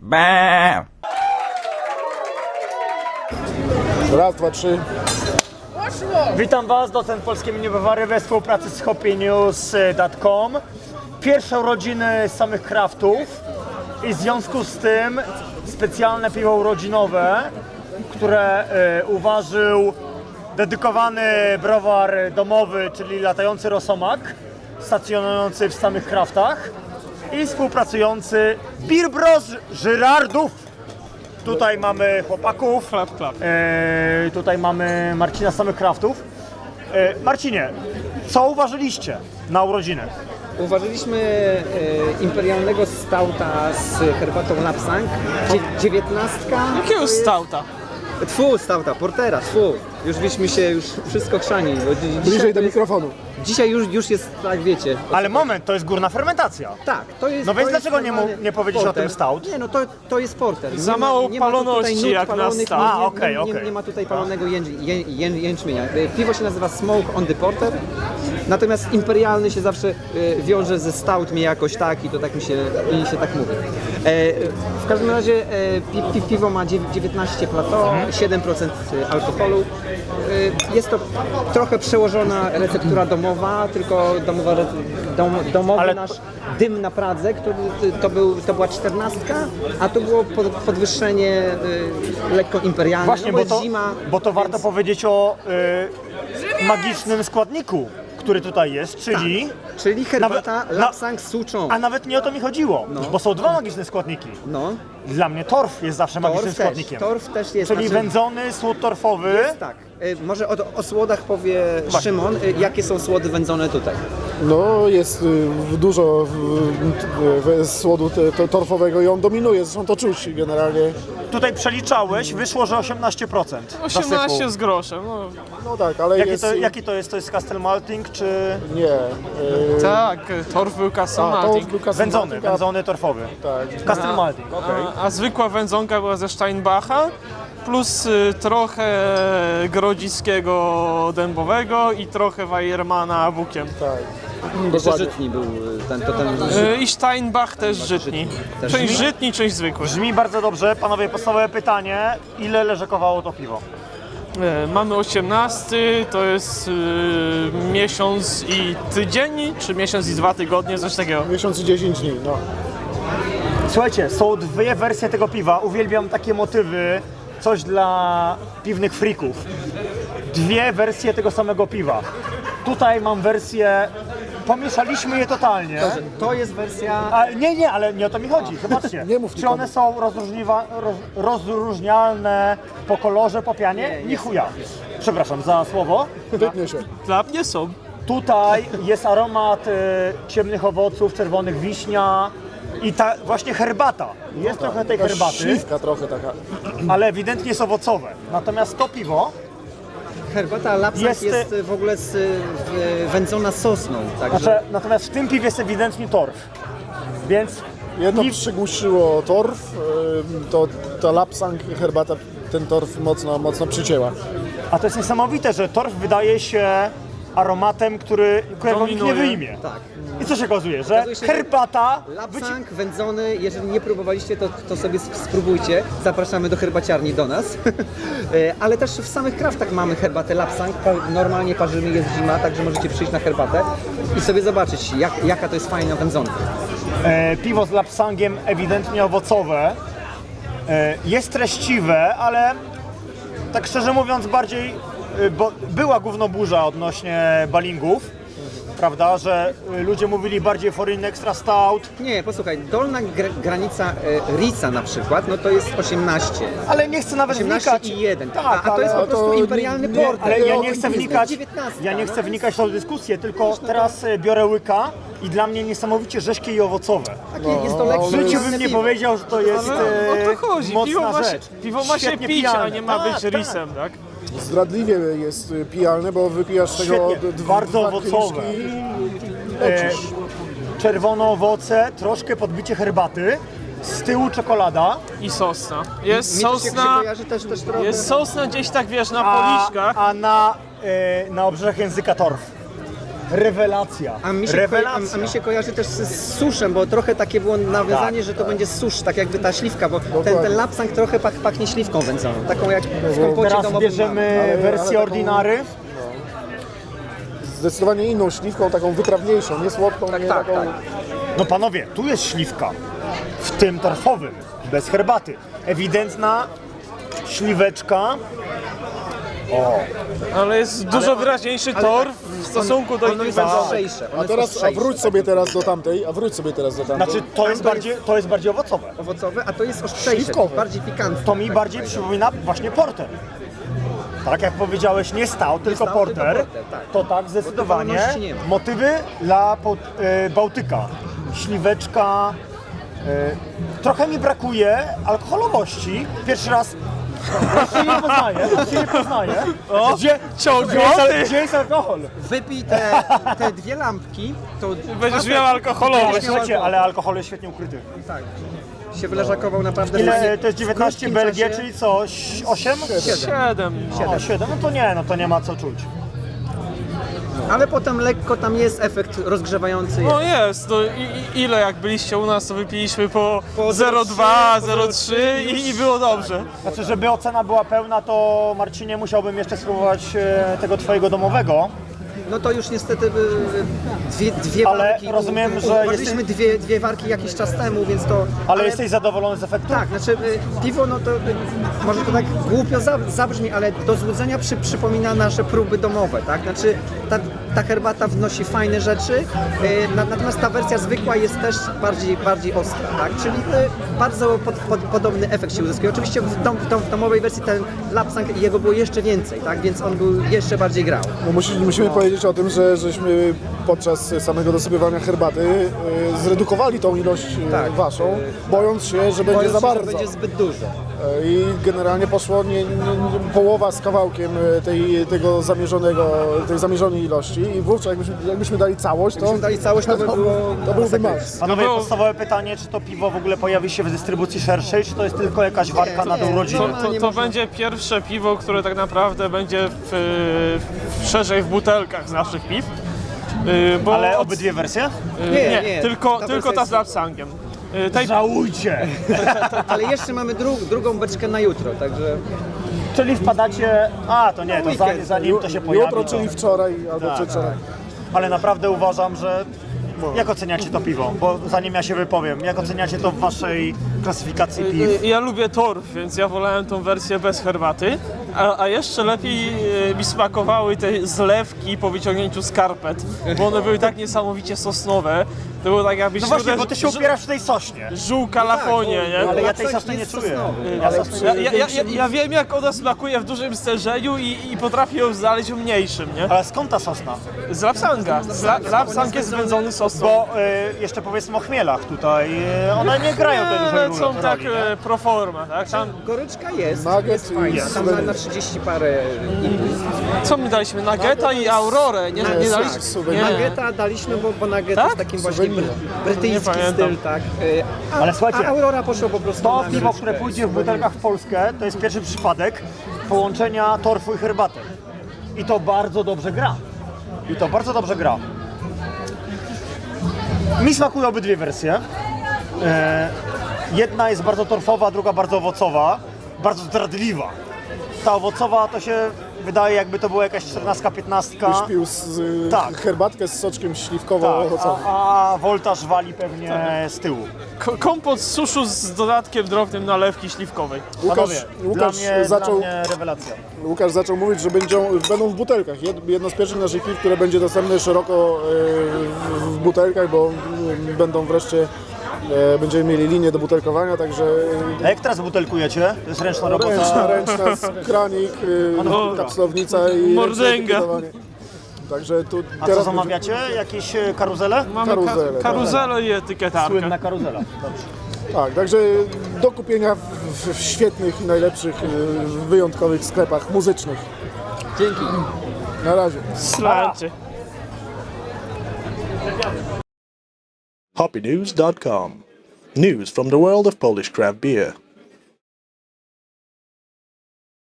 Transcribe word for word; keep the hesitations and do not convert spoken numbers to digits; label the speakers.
Speaker 1: Bää.
Speaker 2: Raz, dwa, trzy.
Speaker 3: Witam Was, docent polskiej miniowary we współpracy z hoppy news kropka com. Pierwsze urodziny samych craftów i w związku z tym specjalne piwo urodzinowe, które y, uważył dedykowany browar domowy, czyli latający rosomak, stacjonujący w samych craftach i współpracujący Beer Bros Żyrardów. Tutaj mamy chłopaków,
Speaker 4: Klap, klap.
Speaker 3: e, tutaj mamy Marcina z samych craftów. E, Marcinie, co uważyliście na urodziny?
Speaker 5: Uważyliśmy e, imperialnego stouta z herbatą Lapsang, Dzie- dziewiętnastka.
Speaker 4: Jakiego stouta?
Speaker 5: Tfu, stouta, portera, tfu. Już byśmy się już wszystko chrzani. Bo dzi- dzisiaj
Speaker 2: Bliżej do
Speaker 5: to jest-
Speaker 2: mikrofonu.
Speaker 5: Dzisiaj już, już jest, tak wiecie.
Speaker 3: Ale moment, to jest górna fermentacja.
Speaker 5: Tak, to jest.
Speaker 3: No więc
Speaker 5: to jest
Speaker 3: dlaczego nie mu-
Speaker 5: normalny
Speaker 3: nie powiedzieć o
Speaker 5: porter.
Speaker 3: tym stout?
Speaker 5: Nie, no to, to jest porter.
Speaker 4: Za
Speaker 5: Nie ma-
Speaker 4: mało
Speaker 5: nie ma tu tutaj
Speaker 4: paloności
Speaker 5: nut
Speaker 4: jak na
Speaker 5: palonych,
Speaker 4: stout.
Speaker 5: nie-
Speaker 3: A,
Speaker 5: nie-
Speaker 3: okej,
Speaker 5: nie,
Speaker 3: okej.
Speaker 5: nie ma tutaj palonego jędzi, ję, ję, jęczmienia. E, Piwo się nazywa Smoke on the Porter, natomiast imperialny się zawsze e, wiąże ze stout mi jakoś tak i to tak mi się, mi się tak mówi. E, w każdym razie e, pi, pi, piwo ma dziew- dziewiętnaście plateau, siedem procent alkoholu. E, jest to trochę przełożona receptura domowa, tylko domowa, re- dom, domowy
Speaker 3: Ale-
Speaker 5: nasz dym na Pradze, który to, był, to była czternastka, a to było pod, podwyższenie y, lekko imperialne,
Speaker 3: Właśnie,
Speaker 5: no
Speaker 3: bo
Speaker 5: jest
Speaker 3: to,
Speaker 5: zima.
Speaker 3: bo to warto
Speaker 5: więc-
Speaker 3: powiedzieć o y, magicznym składniku, który tutaj jest, czyli...
Speaker 5: Czyli herbata
Speaker 3: Nawet- na-
Speaker 5: Lapsang Souchong.
Speaker 3: A nawet nie o to mi chodziło,
Speaker 5: No.
Speaker 3: bo są dwa magiczne składniki.
Speaker 5: No,
Speaker 3: Dla mnie torf jest zawsze magicznym
Speaker 5: torf też,
Speaker 3: składnikiem.
Speaker 5: torf też jest.
Speaker 3: Czyli
Speaker 5: znaczy-
Speaker 3: wędzony słód torfowy.
Speaker 5: Tak, y, może o, o słodach powie Szymon, y, jakie są słody wędzone tutaj.
Speaker 2: No jest y, dużo y, y, słodu te- te- torfowego i on dominuje, zresztą to czuć generalnie.
Speaker 3: Tutaj przeliczałeś, wyszło, że osiemnaście procent.
Speaker 4: osiemnaście
Speaker 3: zasypu.
Speaker 4: z groszem. No,
Speaker 2: No tak, ale
Speaker 3: Jaki
Speaker 2: jest...
Speaker 3: to, jaki to jest? To jest Castle Malting czy
Speaker 2: Nie. Y,
Speaker 4: tak, torf był
Speaker 2: a, to
Speaker 4: Castle
Speaker 2: był Castle
Speaker 3: wędzony,
Speaker 2: Malting, a-
Speaker 3: wędzony torfowy?
Speaker 2: Tak.
Speaker 3: Castle Malting, okej.
Speaker 4: a, a zwykła wędzonka była ze Steinbacha, plus y, trochę grodziskiego dębowego i trochę Weiermana bukiem.
Speaker 2: Tak.
Speaker 5: Jeszcze
Speaker 2: Dokładnie.
Speaker 5: żytni był y, ten, to ten
Speaker 4: Y, I Steinbach też żytni.
Speaker 5: Też
Speaker 4: Część
Speaker 5: żytni?
Speaker 4: żytni, część zwykły.
Speaker 3: Brzmi bardzo dobrze. Panowie, podstawowe pytanie. Ile leżakowało to piwo?
Speaker 4: Y, Mamy osiemnasty, to jest y, miesiąc i tydzień, czy miesiąc i dwa tygodnie, coś takiego.
Speaker 2: Miesiąc i dziesięć dni, no.
Speaker 3: Słuchajcie, są dwie wersje tego piwa. Uwielbiam takie motywy. Coś dla piwnych frików. Dwie wersje tego samego piwa. Tutaj mam wersję... Pomieszaliśmy je totalnie.
Speaker 5: Dobrze, to jest wersja.
Speaker 3: A, nie, nie, ale nie o to mi chodzi. Zobaczcie.
Speaker 2: Nie mów
Speaker 3: Czy
Speaker 2: nikomu.
Speaker 3: one są rozróżniwa, roz, rozróżnialne po kolorze, po pianie?
Speaker 5: Nie,
Speaker 3: Nie,
Speaker 5: nie
Speaker 3: chuja. Przepraszam za słowo.
Speaker 2: Wytnie się.
Speaker 4: Dla mnie są.
Speaker 3: Tutaj jest aromat y, ciemnych owoców, czerwonych wiśnia i ta właśnie herbata. Jest trochę tej
Speaker 2: Taka
Speaker 3: herbaty,
Speaker 2: śliwka trochę taka.
Speaker 3: ale ewidentnie jest owocowe. Natomiast to piwo
Speaker 5: Herbata Lapsang
Speaker 3: Jest,
Speaker 5: jest,
Speaker 3: y-
Speaker 5: w ogóle z, y, wędzona sosną, także.
Speaker 3: Znaczy, natomiast w tym piwie jest ewidentnie torf. Więc
Speaker 2: Jedno
Speaker 3: piw-
Speaker 2: przygłuszyło torf, y, to ta Lapsang herbata ten torf mocno, mocno przycięła.
Speaker 3: a to jest niesamowite, że torf wydaje się aromatem, który, którego nikt nie
Speaker 4: Dominuje.
Speaker 3: wyjmie.
Speaker 5: Tak.
Speaker 3: I co się okazuje, że
Speaker 5: Okazuje się, że
Speaker 3: herbata wyci-
Speaker 5: Lapsang wędzony, jeżeli nie próbowaliście, to, to sobie sp- spróbujcie. Zapraszamy do herbaciarni do nas. E, Ale też w samych kraftach mamy herbatę Lapsang. Pa- Normalnie parzymy, jest zima, także możecie przyjść na herbatę i sobie zobaczyć, jak, jaka to jest fajna wędzonka.
Speaker 3: e, piwo z lapsangiem ewidentnie owocowe. E, jest treściwe, ale tak szczerze mówiąc bardziej, e, bo była gównoburza odnośnie balingów, prawda, że e, ludzie mówili bardziej foreign extra stout,
Speaker 5: Nie, posłuchaj, dolna gr- granica e, Rica na przykład, no to jest osiemnaście.
Speaker 3: ale nie chcę nawet
Speaker 5: osiemnaście
Speaker 3: wnikać.
Speaker 5: i jeden.
Speaker 3: Tak,
Speaker 5: a, a to
Speaker 3: ale-
Speaker 5: jest po
Speaker 2: a to
Speaker 5: prostu
Speaker 2: nie-
Speaker 5: imperialny
Speaker 2: nie,
Speaker 5: porter.
Speaker 3: Ale ja
Speaker 2: o
Speaker 3: nie
Speaker 2: tym
Speaker 3: chcę
Speaker 5: jest
Speaker 3: wnikać,
Speaker 5: dziewiętnastka,
Speaker 3: ja nie
Speaker 5: no
Speaker 3: chcę
Speaker 5: to
Speaker 3: wnikać w tą dyskusję, tylko teraz e, biorę łyka i dla mnie niesamowicie rzeźkie i owocowe.
Speaker 5: Takie, jest to lekkie
Speaker 3: W życiu
Speaker 5: imperialne
Speaker 3: bym nie
Speaker 5: piwo.
Speaker 3: powiedział, że to jest
Speaker 4: Ale o
Speaker 3: e,
Speaker 4: to chodzi.
Speaker 3: mocna
Speaker 4: Piwo ma, się,
Speaker 3: rzecz.
Speaker 4: piwo ma się
Speaker 3: Świetnie
Speaker 4: pić, a
Speaker 3: pijane.
Speaker 4: nie ma
Speaker 3: Tak,
Speaker 4: być
Speaker 3: tak.
Speaker 4: risem, tak?
Speaker 2: Zdradliwie jest y, pijalne, bo wypijasz z tego
Speaker 3: Świetnie,
Speaker 2: d-
Speaker 3: bardzo
Speaker 2: dwa
Speaker 3: owocowe.
Speaker 2: kieliszki i
Speaker 3: E,
Speaker 2: lecisz.
Speaker 3: czerwone owoce, troszkę podbicie herbaty, z tyłu czekolada,
Speaker 4: I sosna. Jest
Speaker 5: Mi to się
Speaker 4: sosna,
Speaker 5: kojarzy też, też trochę.
Speaker 4: jest sosna gdzieś tak, wiesz, na
Speaker 3: a,
Speaker 4: policzkach.
Speaker 3: a na, e, na obrzeżach języka torf. rewelacja.
Speaker 5: A mi, się ko-
Speaker 3: rewelacja.
Speaker 5: a, a mi się kojarzy też z, z suszem, bo trochę takie było nawiązanie,
Speaker 3: Tak,
Speaker 5: że to będzie susz, tak jakby ta śliwka, bo ten, ten lapsang trochę pach, pachnie śliwką wędzoną, taką jak w kompocie
Speaker 3: Teraz
Speaker 5: domowym
Speaker 3: bierzemy
Speaker 2: Ale- ale
Speaker 3: wersję
Speaker 2: taką-
Speaker 3: ordinary.
Speaker 2: Zdecydowanie inną śliwką, taką wytrawniejszą, nie słodką,
Speaker 5: Tak,
Speaker 2: nie
Speaker 5: tak,
Speaker 2: taką...
Speaker 5: tak.
Speaker 3: No panowie, tu jest śliwka, w tym torfowym, bez herbaty. Ewidentna śliweczka. O,
Speaker 4: Ale jest dużo wyraźniejszy tor w stosunku do
Speaker 5: ono
Speaker 4: innych
Speaker 5: jest
Speaker 4: wędzonych.
Speaker 5: ostrzejsze. ono
Speaker 2: A
Speaker 5: jest
Speaker 2: teraz, a
Speaker 5: ostrzejsze.
Speaker 2: wróć sobie teraz do tamtej, a wróć sobie teraz do tamtej.
Speaker 3: znaczy to jest
Speaker 5: to
Speaker 3: bardziej, to jest bardziej owocowe.
Speaker 5: Owocowe, a to jest ostrzejsze,
Speaker 2: Śliwkowe.
Speaker 5: bardziej pikantne.
Speaker 3: To mi
Speaker 5: tak
Speaker 3: bardziej
Speaker 5: powiedział.
Speaker 3: przypomina właśnie porter. Tak jak powiedziałeś, nie stał, tylko
Speaker 5: stał,
Speaker 3: porter.
Speaker 5: tylko porter, tak.
Speaker 3: To tak, zdecydowanie.
Speaker 5: wolności nie ma.
Speaker 3: Motywy dla Bał- e, Bałtyka. Śliweczka. e, Trochę mi brakuje alkoholowości. Pierwszy raz ja się nie poznaję, ja się nie poznaję.
Speaker 4: O,
Speaker 3: Gdzie,
Speaker 4: ciągle
Speaker 3: gdzie, jest,
Speaker 4: ty.
Speaker 3: gdzie jest alkohol?
Speaker 5: Wypij te, te dwie lampki, to
Speaker 4: Będziesz miał alkoholowe.
Speaker 5: Będziesz miał
Speaker 3: Słuchajcie,
Speaker 5: alkohol.
Speaker 3: ale alkohol jest świetnie ukryty.
Speaker 5: tak, się wyleżakował naprawdę
Speaker 3: Ile
Speaker 5: fajnie.
Speaker 3: to jest dziewiętnaście
Speaker 5: W krótkim
Speaker 3: Belgię,
Speaker 5: czasie.
Speaker 3: czyli co? osiem?
Speaker 4: Siedem.
Speaker 3: O, siedem, no to nie, no to nie ma co czuć.
Speaker 5: Ale potem lekko tam jest efekt rozgrzewający.
Speaker 4: No jest, no i, i ile jak byliście u nas, to wypiliśmy po,
Speaker 5: Po
Speaker 4: zero przecinek dwa,
Speaker 5: zero
Speaker 4: zero przecinek trzy i, i było dobrze.
Speaker 3: Znaczy, żeby ocena była pełna, to Marcinie musiałbym jeszcze spróbować e, tego twojego domowego.
Speaker 5: No to już niestety y, dwie, dwie
Speaker 3: Ale
Speaker 5: warki.
Speaker 3: rozumiem,
Speaker 5: u- u-
Speaker 3: że
Speaker 5: uważaliśmy
Speaker 3: jesteś-
Speaker 5: dwie, dwie warki jakiś czas temu, więc to.
Speaker 3: Ale, jesteś zadowolony z efektu?
Speaker 5: Tak, znaczy y, piwo, no to y, może to tak głupio za- zabrzmi, ale do złudzenia przy, przypomina nasze próby domowe, tak? Znaczy ta, ta herbata wnosi fajne rzeczy, y, na, natomiast ta wersja zwykła jest też bardziej, bardziej ostra, tak? Czyli y, bardzo pod, pod, podobny efekt się uzyskuje. Oczywiście w, dom, w, dom, w domowej wersji ten lapsang jego było jeszcze więcej, tak? Więc on był jeszcze bardziej grał.
Speaker 2: No musi, musimy powiedzieć o tym, że żeśmy podczas samego dosypywania herbaty e, zredukowali tą ilość e,
Speaker 5: Tak.
Speaker 2: waszą, bojąc się, że będzie
Speaker 5: Bojąc
Speaker 2: za
Speaker 5: się, że
Speaker 2: bardzo.
Speaker 5: będzie zbyt dużo.
Speaker 2: E, I generalnie poszło nie, nie, nie, połowa z kawałkiem e, tej, tego zamierzonego, tej zamierzonej ilości i wówczas jakbyśmy, jakbyśmy dali całość, to,
Speaker 5: Jakbyśmy dali całość, to by było
Speaker 2: to byłby
Speaker 5: masakrycznie.
Speaker 2: maks.
Speaker 3: Panowie,
Speaker 4: No bo-
Speaker 3: podstawowe pytanie, czy to piwo w ogóle pojawi się w dystrybucji szerszej, czy to jest tylko jakaś warka na
Speaker 5: nie,
Speaker 3: tą
Speaker 4: To,
Speaker 3: rodzinę?
Speaker 5: no,
Speaker 4: to,
Speaker 5: nie
Speaker 4: to
Speaker 5: można-
Speaker 4: będzie pierwsze piwo, które tak naprawdę będzie w, w, szerzej w butelkach z naszych piw. Yy, Bo
Speaker 3: Ale
Speaker 4: od-
Speaker 3: obydwie wersje?
Speaker 4: yy,
Speaker 5: Nie,
Speaker 4: nie,
Speaker 5: nie,
Speaker 4: tylko,
Speaker 5: ta
Speaker 4: tylko
Speaker 5: wersja
Speaker 4: ta
Speaker 5: jest-
Speaker 4: z lapsangiem. Yy, Tej,
Speaker 3: Żałujcie!
Speaker 5: Ale jeszcze mamy dru drugą beczkę na jutro, także
Speaker 3: Czyli wpadacie... A, to nie, to
Speaker 5: weekend.
Speaker 3: zanim, zanim to się pojawi.
Speaker 2: Jutro,
Speaker 3: to...
Speaker 2: czyli wczoraj albo
Speaker 3: Tak,
Speaker 2: przedwczoraj.
Speaker 3: Ale naprawdę uważam, że... Jak oceniacie to piwo? Bo zanim ja się wypowiem, jak oceniacie to w waszej klasyfikacji piw?
Speaker 4: Yy, Ja lubię torf, więc ja wolałem tą wersję bez herbaty. A, a jeszcze lepiej yy, mi smakowały te zlewki po wyciągnięciu skarpet, bo one były tak niesamowicie sosnowe. To było tak jakbyś
Speaker 3: No właśnie,
Speaker 4: uderzył-
Speaker 3: bo ty się upierasz w tej sośnie.
Speaker 4: Żół kalafonie, nie?
Speaker 3: Ale ja
Speaker 5: Lapsang
Speaker 3: tej sosny nie
Speaker 5: jest
Speaker 3: czuję.
Speaker 5: sosnowy,
Speaker 3: Ja
Speaker 5: ale
Speaker 3: sosny-
Speaker 4: Ja, ja, ja, ja, ja wiem jak ona smakuje w dużym stężeniu i, i potrafię ją znaleźć w mniejszym, nie?
Speaker 3: Ale skąd ta sosna?
Speaker 4: Z lapsanga. Z la, lapsang jest wędzony sosem.
Speaker 3: Bo y, jeszcze powiedzmy o chmielach tutaj. Y, one nie grają tej dużej
Speaker 4: Ale
Speaker 3: roli.
Speaker 4: są tak
Speaker 3: roli, nie?
Speaker 4: e, pro forma, tak? Tam,
Speaker 5: goryczka jest,
Speaker 2: Nugget
Speaker 5: jest
Speaker 2: i
Speaker 5: fajna, tam na,
Speaker 2: suwenyr.
Speaker 5: na trzydzieści parę innych.
Speaker 4: co my daliśmy? Nuggeta i Aurorę, nie, nie,
Speaker 2: Nie,
Speaker 4: daliśmy?
Speaker 2: suwenyr.
Speaker 4: Nie.
Speaker 5: Nuggeta daliśmy, bo, bo Nugget
Speaker 4: Tak?
Speaker 5: jest takim właśnie bry,
Speaker 2: Suwenir.
Speaker 5: brytyjski
Speaker 4: Nie pamiętam.
Speaker 5: styl, tak. Y, A,
Speaker 3: Ale słuchajcie,
Speaker 5: a Aurora poszło po prostu
Speaker 3: To
Speaker 5: na
Speaker 3: piwo,
Speaker 5: goryczkę.
Speaker 3: które pójdzie w butelkach w Polskę, to jest pierwszy przypadek połączenia torfu i herbaty. I to bardzo dobrze gra. I to bardzo dobrze gra. Mi smakują obydwie wersje. E, jedna jest bardzo torfowa, druga bardzo owocowa. Bardzo zdradliwa. Ta owocowa to się wydaje, jakby to była jakaś czternastka, piętnastka.
Speaker 2: Byś pił z,
Speaker 3: Tak.
Speaker 2: herbatkę z soczkiem
Speaker 3: Tak,
Speaker 2: śliwkowo-owocowym.
Speaker 3: a, a woltaż wali pewnie z tyłu.
Speaker 4: Ko- Kompot z suszu z dodatkiem drobnym nalewki śliwkowej.
Speaker 2: Łukasz,
Speaker 3: Panowie, dla
Speaker 2: Łukasz,
Speaker 3: mnie,
Speaker 2: zaczął,
Speaker 3: dla mnie rewelacja.
Speaker 2: Łukasz zaczął mówić, że będą, będą w butelkach. Jed- Jedno z pierwszych naszych piw, które będzie dostępne szeroko e, w, w butelkach, bo e, będą wreszcie, e, będziemy mieli linię do butelkowania, także
Speaker 3: A jak teraz butelkujecie? To jest ręczna robota.
Speaker 2: ręczna, ręczna, kranik, e,
Speaker 3: Manufaktura.
Speaker 2: kapslownica i
Speaker 4: Mordęga.
Speaker 2: ręczne etykietowanie. Także tu
Speaker 3: A co
Speaker 2: teraz
Speaker 3: zamawiacie? Jakieś e, karuzele?
Speaker 4: Mamy
Speaker 2: Karuzelę,
Speaker 4: ka- karuzelę i etykietarkę.
Speaker 3: Słynna karuzela. Dobrze.
Speaker 2: tak, także do kupienia w, w, w świetnych i najlepszych, e, wyjątkowych sklepach muzycznych.
Speaker 5: Dzięki.
Speaker 2: Na razie.
Speaker 4: Slancie.
Speaker 1: hoppy news dot com. News from the world of Polish craft beer.